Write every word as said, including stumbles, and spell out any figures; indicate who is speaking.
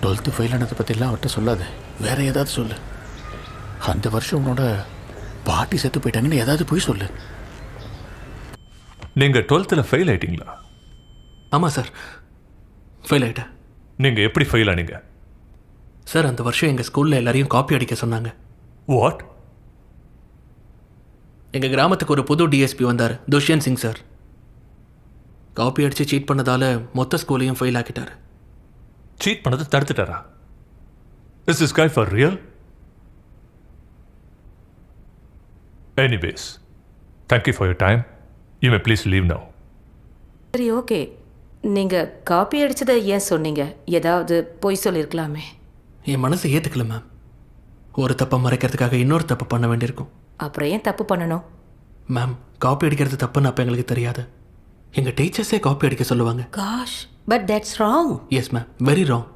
Speaker 1: Twelfth fail ஆனதை பற்றிலாம் அவர்கிட்ட சொல்லாத. வேற ஏதாவது சொல்லு. அந்த வருஷம் உன்னோட பாட்டி செத்து போயிட்டாங்கன்னு ஏதாவது போய் சொல்லு.
Speaker 2: நீங்கள் டுவெல்த்தில் ஃபெயில் ஆயிட்டீங்களா?
Speaker 3: ஆமாம் சார், ஃபெயில் ஆகிட்டேன்.
Speaker 2: நீங்கள் எப்படி ஃபெயில் ஆனீங்க?
Speaker 3: சார், அந்த வருஷம் எங்கள் ஸ்கூலில் எல்லாரையும் காப்பி அடிக்க சொன்னாங்க.
Speaker 2: வாட்?
Speaker 3: எங்கள் கிராமத்துக்கு ஒரு புது டிஎஸ்பி வந்தார், துஷ்யந்த் சிங் சார். காப்பி அடித்து சீட் பண்ணதால் மொத்த ஸ்கூலையும் ஃபெயில் ஆக்கிட்டார்.
Speaker 2: சீட் பண்ணதை தடுத்துட்டாரா? Is this guy for real? Anyways, thank you for your time. You may please leave now.
Speaker 4: சரி, ஓகே. நீங்கள் காப்பி அடித்ததை ஏன் சொன்னீங்க? ஏதாவது பொய் சொல்லியிருக்கலாமே.
Speaker 3: என் மனசை ஏற்றுக்கல மேம். ஒரு தப்பை மறைக்கிறதுக்காக இன்னொரு தப்பு பண்ண வேண்டியிருக்கும்.
Speaker 4: அப்புறம் ஏன் தப்பு பண்ணணும்?
Speaker 3: மேம், காப்பி அடிக்கிறது தப்புன்னு அப்போ எங்களுக்கு தெரியாது. எங்கள் டீச்சர்ஸே காப்பி அடிக்க சொல்லுவாங்க.
Speaker 4: Gosh, but that's wrong.
Speaker 3: Yes ma'am, very wrong.